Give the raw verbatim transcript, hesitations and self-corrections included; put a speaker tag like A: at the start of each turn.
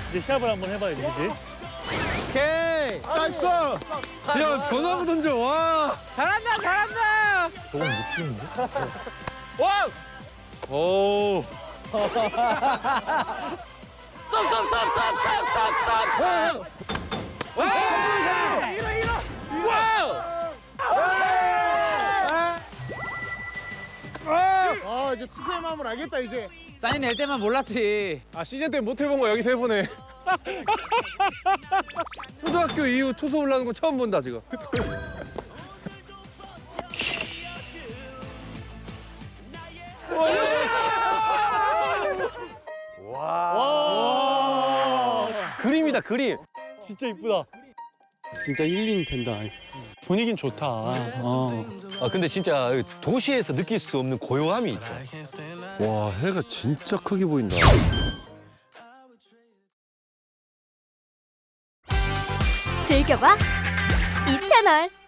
A: 이제 시합을 한번 해봐야지, 그지?
B: 오케이. 나이스 골.
C: 야, 변화구 던져, 와.
D: 잘한다 잘한다.
A: 저건 못 치겠는데?
D: 와.
C: 오.
D: 스톱스톱스톱스톱스톱스톱. 와. 이거 이거. 와우.
B: 아 이제 투수의 마음을 알겠다 이제.
D: 사인 낼 때만 몰랐지.
C: 아, 시즌 때 못 해본 거 여기서 해보네. 초등학교 이후 투수 올라오는 거 처음 본다, 지금.
A: 와.
C: 그림이다, 그림.
A: 진짜 이쁘다. 진짜 힐링 된다. 분위긴 좋다. 어.
E: 아 근데 진짜 도시에서 느낄 수 없는 고요함이 있다.
C: 와, 해가 진짜 크게 보인다.
F: 즐겨봐 이 채널.